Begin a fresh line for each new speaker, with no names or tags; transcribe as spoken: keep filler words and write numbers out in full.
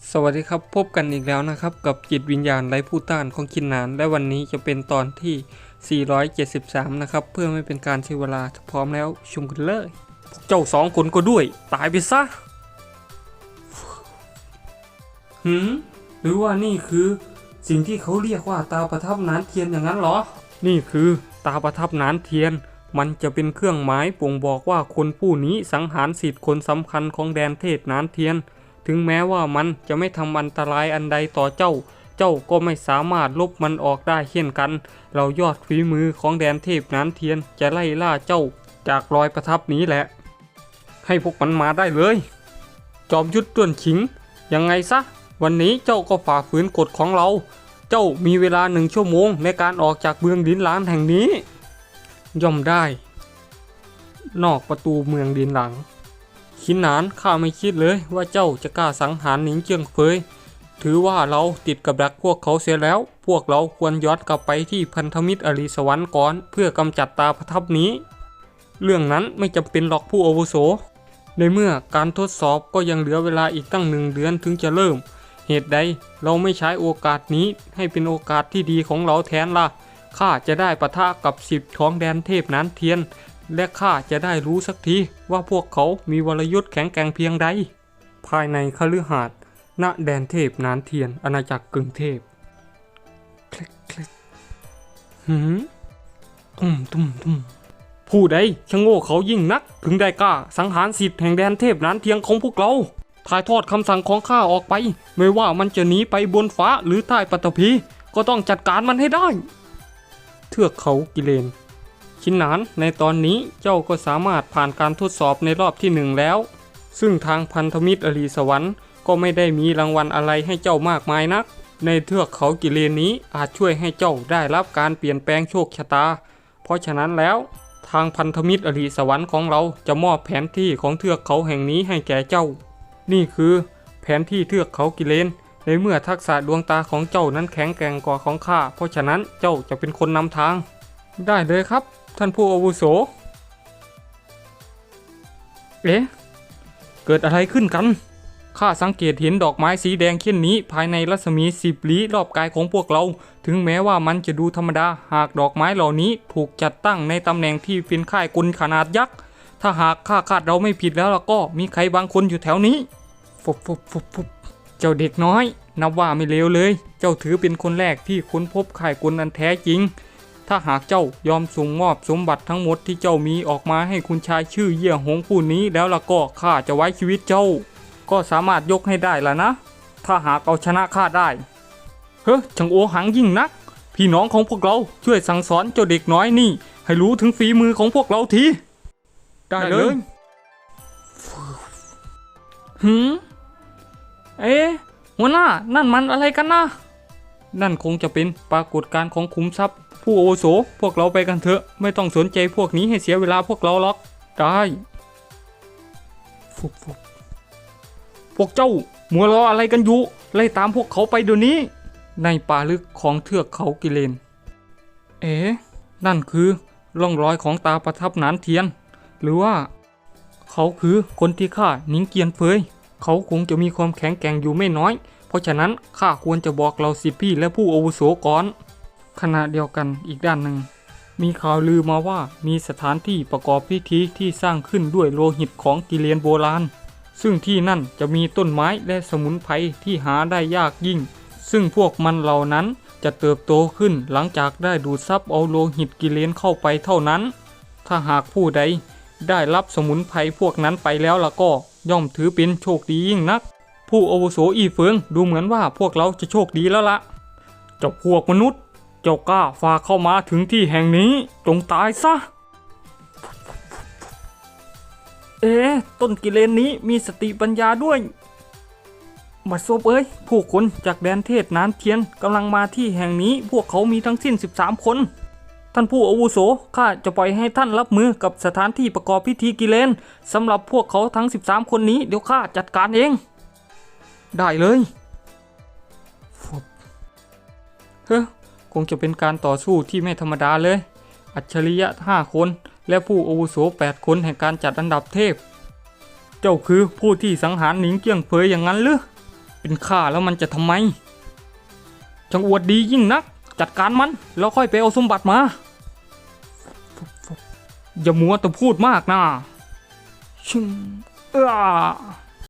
สวัสดีครับพบกันอีกแล้วนะครับกับจิตวิญญาณไร้ผู้ต้านของคินนานและวันนี้จะเป็นตอนที่สี่ร้อยเจ็ดสิบสามนะครับเพื่อไม่เป็นการเสียเวลาพร้อมแล้วชมกันเลยพวกเจ้าสองคนก็ด้วยตายไปซะหืมหรือว่านี่คือสิ่งที่เขาเรียกว่าตาประทับนานเทียนอย่างนั้นเหรอนี่คือตาประทับนานเทียนมันจะเป็นเครื่องหมายบ่งบอกว่าคนผู้นี้สังหารสิทธิ์คนสำคัญของแดนเทศนานเทียนถึงแม้ว่ามันจะไม่ทำอันตรายอันใดต่อเจ้า เจ้าก็ไม่สามารถลบมันออกได้เช่นกัน เรายอดฝีมือของแดนเทพนานเทียนจะไล่ล่าเจ้าจากรอยประทับนี้แหละ ให้พวกมันมาได้เลย จอมยุทธต้วนฉิง ยังไงซะ วันนี้เจ้าก็ฝ่าฝืนกฎของเรา เจ้ามีเวลาหนึ่งชั่วโมงในการออกจากเมืองดินหลางแห่งนี้ ย่อมได้ นอกประตูเมืองดินหลางขินหนานข้าไม่คิดเลยว่าเจ้าจะกล้าสังหารหนิงเจียงเฟยถือว่าเราติดกับดักพวกเขาเสียแล้วพวกเราควรย้อนกลับไปที่พันธมิตรอริสวรรค์ก่อนเพื่อกำจัดตาประทับนี้เรื่องนั้นไม่จำเป็นหรอกผู้อาวุโสในเมื่อการทดสอบก็ยังเหลือเวลาอีกตั้งหนึ่งเดือนถึงจะเริ่มเหตุใดเราไม่ใช้โอกาสนี้ให้เป็นโอกาสที่ดีของเราแทนล่ะข้าจะได้ปะทะกับสิบของแดนเทพนานเทียนและข้าจะได้รู้สักทีว่าพวกเขามีวรยุทธ์แข็งแกร่งเพียงใดภายในคฤหาสน์ณแดนเทพนานเทียนอาณาจักรกึ่งเทพคลิกคลิกหืมตุ้มตุ้มตุ้มผู้ใดชะโง่เขายิ่งนักถึงได้กล้าสังหารสิทธิ์แห่งแดนเทพนานเทียนของพวกเราถ่ายทอดคำสั่งของข้าออกไปไม่ว่ามันจะหนีไปบนฟ้าหรือใต้ปฐพีก็ต้องจัดการมันให้ได้เทือกเขากิเลนขินหนานในตอนนี้เจ้าก็สามารถผ่านการทดสอบในรอบที่หนึ่งแล้วซึ่งทางพันธมิตรอริสวรรค์ก็ไม่ได้มีรางวัลอะไรให้เจ้ามากมายนักในเทือกเขากิเลนนี้อาจช่วยให้เจ้าได้รับการเปลี่ยนแปลงโชคชะตาเพราะฉะนั้นแล้วทางพันธมิตรอริสวรรค์ของเราจะมอบแผนที่ของเทือกเขาแห่งนี้ให้แก่เจ้านี่คือแผนที่เทือกเขากิเลนในเมื่อทักษะดวงตาของเจ้านั้นแข็งแกร่งกว่าของข้าเพราะฉะนั้นเจ้าจะเป็นคนนำทางได้เลยครับท่านผู้อาวุโสเอ๊ะเกิดอะไรขึ้นกันข้าสังเกตเห็นดอกไม้สีแดงเช่นนี้ภายในรัศมีสิบลี้รอบกายของพวกเราถึงแม้ว่ามันจะดูธรรมดาหากดอกไม้เหล่านี้ถูกจัดตั้งในตำแหน่งที่เป็นค่ายกลขนาดยักษ์ถ้าหากข้าคาดเราไม่ผิดแล้วล่ะก็มีใครบางคนอยู่แถวนี้ฟุบฟุบฟุบฟุบเจ้าเด็กน้อยนับว่าไม่เลวเลยเจ้าถือเป็นคนแรกที่ค้นพบค่ายกลอันแท้จริงถ้าหากเจ้ายอมส่งมอบสมบัติทั้งหมดที่เจ้ามีออกมาให้คุณชายชื่อเยี่ยหงผู้นี้แล้วล่ะก็ข้าจะไว้ชีวิตเจ้าก็สามารถยกให้ได้ละนะถ้าหากเอาชนะข้าได้เฮ้ยช่างโอหังยิ่งนักพี่น้องของพวกเราช่วยสั่งสอนเจ้าเด็กน้อยนี่ให้รู้ถึงฝีมือของพวกเราทีได้เลยหืมเอ๊ะหัวหน้านั่นมันอะไรกันนะนั่นคงจะเป็นปรากฏการณ์ของขุมทรัพย์ผู้อาวุโสพวกเราไปกันเถอะไม่ต้องสนใจพวกนี้ให้เสียเวลาพวกเราหรอกได้ฟุบฟุบพวกเจ้ามัวรออะไรกันอยู่ไล่ตามพวกเขาไปเดี๋ยวนี้ในป่าลึกของเทือกเขากิเลนเอ๊ะนั่นคือร่องรอยของตาประทับนานเทียนหรือว่าเขาคือคนที่ฆ่าหนิงเกียนเฟยเขาคงจะมีความแข็งแกร่งอยู่ไม่น้อยเพราะฉะนั้นข้าควรจะบอกเราสิพี่และผู้อาวุโสก่อนขณะเดียวกันอีกด้านหนึ่งมีข่าวลือมาว่ามีสถานที่ประกอบพิธีที่สร้างขึ้นด้วยโลหิตของกิเลนโบราณซึ่งที่นั่นจะมีต้นไม้และสมุนไพรที่หาได้ยากยิ่งซึ่งพวกมันเหล่านั้นจะเติบโตขึ้นหลังจากได้ดูดซับเอาโลหิตกิเลนเข้าไปเท่านั้นถ้าหากผู้ใดได้รับสมุนไพรพวกนั้นไปแล้วล่ะก็ย่อมถือเป็นโชคดียิ่งนักผู้อาวุโสอีเฟิงดูเหมือนว่าพวกเราจะโชคดีแล้วละเจ้าพวกมนุษย์เจ้ากล้าฝ่าเข้ามาถึงที่แห่งนี้จงตายซะเอ๊ะต้นกิเลนนี้มีสติปัญญาด้วยบัดซบเอ้ยผู้คนจากแดนเทศนานเทียนกำลังมาที่แห่งนี้พวกเขามีทั้งสิ้นสิบสามคนท่านผู้อาวุโสข้าจะปล่อยให้ท่านรับมือกับสถานที่ประกอบพิธีกิเลนสำหรับพวกเขาทั้งสิบสามคนนี้เดี๋ยวข้าจัดการเองได้เลยเฮ้คงจะเป็นการต่อสู้ที่ไม่ธรรมดาเลยอัจฉริยะห้าคนและผู้อาวุโสแปดคนแห่งการจัดอันดับเทพเจ้าคือผู้ที่สังหารหนิงเกี้ยงเฟยอย่างนั้นหรือเป็นข้าแล้วมันจะทำไมจังอวดดียิ่งนักจัดการมันแล้วค่อยไปเอาสมบัติมาอย่ามัวแต่พูดมากนะชึ่งเอ้อ